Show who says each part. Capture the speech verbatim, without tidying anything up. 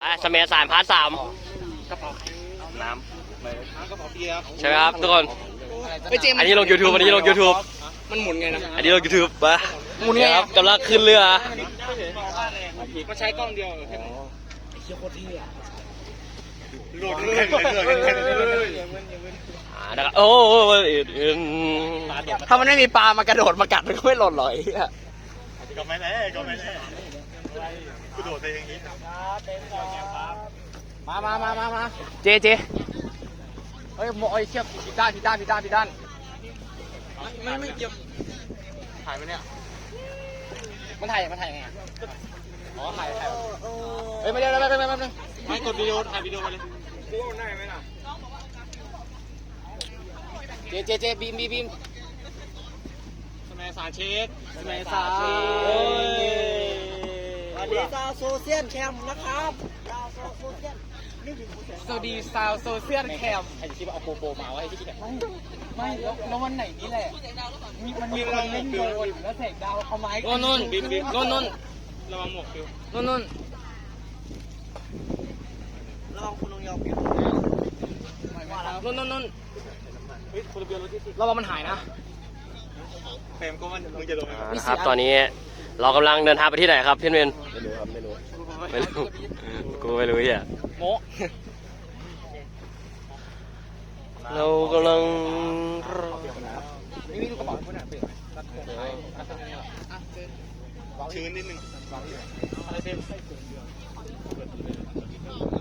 Speaker 1: อ่ะสมัยสารพาร์ทสาม
Speaker 2: กระเป๋าน้ำกระเป๋าเบียร์
Speaker 1: ใช่ไหมครับทุกคน อันนี้ลง YouTube อันนี้ลง YouTube
Speaker 2: มันหมุนไงนะ
Speaker 1: อันนี้ลง YouTube ปะ
Speaker 2: หมุนไง
Speaker 1: ครับกำลังขึ้นเรือ
Speaker 2: มันใช้กล้องเดียวไอ้เชี่ยโคตรเท่อะโหลดเลย
Speaker 1: อ่านะครับโอ้โหอืม
Speaker 2: ถ้ามันไม่มีปลามากระโดดมากัดมันก็ไม่หล่นหรอกไอ้เหี้ย
Speaker 3: ก็ไม่แน่ก็ไม่แน่กูโดดไปอย่างนี้
Speaker 2: มามามามามาเจเจเฮ้ยโมไอ้เชี่ยผิดด้านผิดด้านผิดด้านผิดด้านไม่ไม่เกี่ยวถ่ายไหมเนี่ยมันถ่ายมันถ่ายยังไงอ๋อถ่ายถ่ายเฮ้ยไม่ได้ไม่ได้ไม่ได้ไม่ได้ไม่กดวิดีโอถ่ายวิดีโอมาเลยกูว่ามันได้ไหมล่ะเจเจเจบีมบีมบีมสมัยสารเช็คสมัยสารเช็ค
Speaker 4: สวัสดีชาวโซเชียลแคมป์นะครับชาวโซเชียล
Speaker 2: สวัสดีซาวโซเชียลแคมใครจะคิดว่าเอาโปโปมาไว้ที่ไหนไม่แล้วแล้ววันไหนนี่แหละมีมันมีคนเล่นโดนแล้วแสงดาวเอาไม้โน่นโน่นบิมบิมโน่นโน่นระวังหมวกฟิวโน่นโน่น
Speaker 4: ระวังคุณลงยอมเปลี่ยน
Speaker 2: โน่นโน่นโน่นระวังมันหายนะ
Speaker 3: เฟรมก็มันมึงจะลง
Speaker 1: อ่านะครับตอนนี้เรากำลังเดินทางไปที่ไหนครับพี่เมน
Speaker 3: ไม่รู้ครับไม่รู้
Speaker 1: ไม่รู้กูไม่รู้อ่ะ
Speaker 2: โม
Speaker 1: เรากำลัง
Speaker 2: นี่นี่ดูกระเป๋าคุณอ่ะเปลี่ยน
Speaker 3: ชื้นนิดนึง
Speaker 2: อะไรเต็ม